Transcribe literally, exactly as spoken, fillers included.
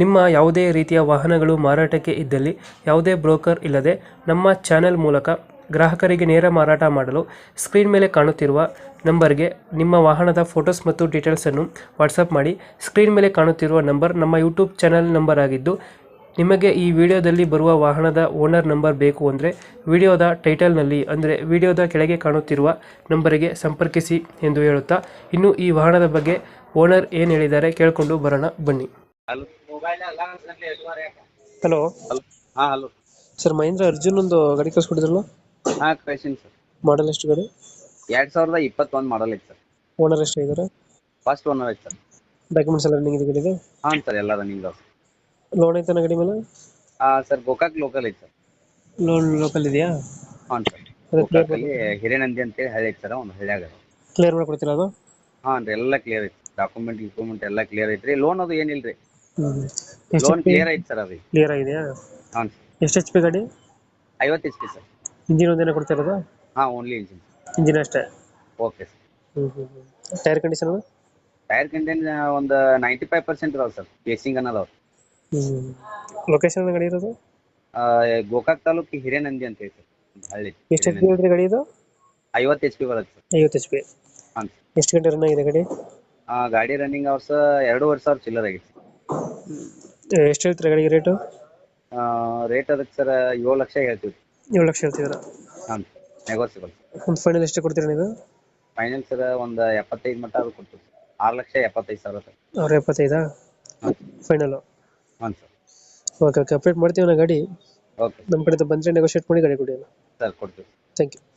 ನಿಮ್ಮ ಯಾವುದೇ ರೀತಿಯ ವಾಹನಗಳು ಮಾರಾಟಕ್ಕೆ ಇದ್ದಲ್ಲಿ ಯಾವುದೇ ಬ್ರೋಕರ್ ಇಲ್ಲದೆ ನಮ್ಮ ಚಾನೆಲ್ ಮೂಲಕ ಗ್ರಾಹಕರಿಗೆ ನೇರ ಮಾರಾಟ ಮಾಡಲು ಸ್ಕ್ರೀನ್ ಮೇಲೆ ಕಾಣುತ್ತಿರುವ ನಂಬರ್ಗೆ ನಿಮ್ಮ ವಾಹನದ ಫೋಟೋಸ್ ಮತ್ತು ಡೀಟೇಲ್ಸನ್ನು ವಾಟ್ಸಪ್ ಮಾಡಿ. ಸ್ಕ್ರೀನ್ ಮೇಲೆ ಕಾಣುತ್ತಿರುವ ನಂಬರ್ ನಮ್ಮ ಯೂಟ್ಯೂಬ್ ಚಾನೆಲ್ ನಂಬರ್ ಆಗಿದ್ದು, ನಿಮಗೆ ಈ ವಿಡಿಯೋದಲ್ಲಿ ಬರುವ ವಾಹನದ ಓನರ್ ನಂಬರ್ ಬೇಕು ಅಂದರೆ ವಿಡಿಯೋದ ಟೈಟಲ್ನಲ್ಲಿ ಅಂದರೆ ವಿಡಿಯೋದ ಕೆಳಗೆ ಕಾಣುತ್ತಿರುವ ನಂಬರಿಗೆ ಸಂಪರ್ಕಿಸಿ ಎಂದು ಹೇಳುತ್ತಾ, ಇನ್ನು ಈ ವಾಹನದ ಬಗ್ಗೆ ಓನರ್ ಏನು ಹೇಳಿದ್ದಾರೆ ಕೇಳಿಕೊಂಡು ಬರೋಣ ಬನ್ನಿ. ಹಲೋ ಹಲೋ ಹಲೋ ಹಾ ಹಲೋ ಸರ್, ಮಹೇಂದ್ರ ಅರ್ಜುನ್ ಒಂದು ಗಾಡಿ ಕಳಿಸ್ಕೊಟ್ಟಿದ್ರಲ್ಲ, ಹಾ ಕಳಿಸಿನಿ ಸರ್. ಮಾಡಲ್ ಎಷ್ಟು ಗಾಡಿ? ಎರಡ್ ಸಾವಿರದ ಇಪ್ಪತ್ತೊಂದು ಮಾಡಲ್ ಐತೆ ಸರ್. ಓನರ್ ಎಷ್ಟು ಇದ್ದಾರೆ? ಫಸ್ಟ್ ಓನರ್ ಐತೆ ಸರ್. ಡಾಕ್ಯುಮೆಂಟ್ಸ್ ಎಲ್ಲ ರನ್ನಿಂಗ್ ಇದೆ ಗಾಡಿಗೆ? ಹಾಂ ಸರ್, ಎಲ್ಲ ರನ್ನಿಂಗ್ ಅದಾವ. ಲೋನ್ ಐತನ ಗಾಡಿ ಮೇಲೆ? ಹಾ ಸರ್, ಗೋಕಾಕ್ ಲೋಕಲ್ ಐತೆ ಸರ್. ಲೋನ್ ಲೋಕಲ್ ಇದೆಯಾ? ಹಾಂ ಸರ್, ಅದೇ ಗೋಕಾಕಲ್ಲಿ ಹಿರೇನಂದಿ ಅಂತೇಳಿ ಹಳ್ಳಿ ಐತೆ ಸರ್, ಒಂದು ಹಳ್ಳಿಯಾಗ. ಕ್ಲಿಯರ್ ಮಾಡ್ಕೊಡ್ತೀರಾ ಅದು? ಹಾಂ ರೀ, ಎಲ್ಲ ಕ್ಲಿಯರ್ ಐತಿ. ಡಾಕ್ಯುಮೆಂಟ್ ಗಿಕ್ಯುಮೆಂಟ್ ಎಲ್ಲ ಕ್ಲಿಯರ್ ಐತ್ರಿ. ಲೋನ್ ಅದು ಏನಿಲ್ರಿ, ಹ್ಮ್ ಲೋನ್ ಕ್ಲಿಯರ್ ಐತಿ ಸರ್. ಅದು ಕ್ಲಿಯರ್ ಆಗಿದೆಯಾ? ಹಾಂ ಸರ್. ಎಷ್ಟು ಎಚ್ ಪಿ ಗಾಡಿ? ಐವತ್ತು ಎಚ್ ಪಿ ಸರ್. ಇಂಜಿನ್ ಒಂದೇನ ಕೊಡ್ತಿರೋದು? ಹಾಂ, ಓನ್ಲಿ ಇಂಜಿನ್. ಇಂಜಿನ್ ಅಷ್ಟೇ? Okay sir. ಹ್ಮ್ ಹ್ಮ್ ಟೈರ್ ಕಂಡೀಷನ್? ಟೈರ್ ಕಂಟೆಂಟ್ ಒಂದು ನೈಂಟಿ ಫೈವ್ ಪರ್ಸೆಂಟ್ ಇದಾವೆ ಸರ್. ಕೇಸಿಂಗ್ ಅನ್ನೋದವ. ಹ್ಮ್ ಲೊಕೇಶನ್ ಗಾಡಿ ಇರೋದು? ಗೋಕಾಕ್ ತಾಲೂಕು ಹಿರೇನಂದಿ ಅಂತ ಹೇಳಿ ಸರ್, ಒಂದು ಹಳ್ಳಿ. ಎಷ್ಟು ಎಚ್ ಪಿ ಹೇಳಿದ್ರಿ ಗಾಡಿ ಇದು? ಐವತ್ತು ಎಚ್ ಪಿ ಬರುತ್ತೆ ಸರ್. ಐವತ್ತು ಎಚ್ ಪಿ. ಹಾಂ ಸರ್. ಎಷ್ಟು ಗಂಟೆ ರನ್ ಆಗಿದೆ ಗಾಡಿ? ಆ ಗಾಡಿ ರನ್ನಿಂಗ್ ಅವರ್ಸ್ ಎರಡೂವರೆ ಸಾವಿರ ಚಿಲ್ಲರ್ ಆಗೈತೆ. ಎಷ್ಟು ಹೇಳ್ತೀರಾ ಗಾಡಿಗೆ ರೇಟು? ರೇಟ್ ಅದಕ್ಕೆ ಸರ್ ಏಳು ಲಕ್ಷ ಹೇಳ್ತೀವಿ. ಏಳು ಲಕ್ಷ ಹೇಳ್ತಿದ್ದೀರಾ? ಹಾಂ, ನೆಗೋಸಿಬಲ್. ಒಂದು ಫೈನಲ್ ಎಷ್ಟು ಕೊಡ್ತೀರಾ ನೀವು? ಫೈನಲ್ ಸರ್ ಒಂದು ಎಪ್ಪತ್ತೈದು ಮಟ್ಟ ಅದು ಕೊಡ್ತೀವಿ ಸರ್. ಆರು ಲಕ್ಷ ಎಪ್ಪತ್ತೈದು ಸಾವಿರ ಸರ್. ಅವ್ರ ಎಪ್ಪತ್ತೈದಾ ಹಾಂ ಫೈನಲು? ಹಾಂ ಸರ್. ಓಕೆ ಓಕೆ ಅಪ್ಡೇಟ್ ಮಾಡ್ತೀವಿ ನಾ ಗಾಡಿ. ಓಕೆ ನಮ್ಮ ಕಡೆಯಿಂದ ಬಂದರೆ ನೆಗೋಷಿಯೇಟ್ ಮಾಡಿ ಗಾಡಿ ಕೊಡಿ. ಸರ್, ಕೊಡ್ತೀವಿ. Thank you.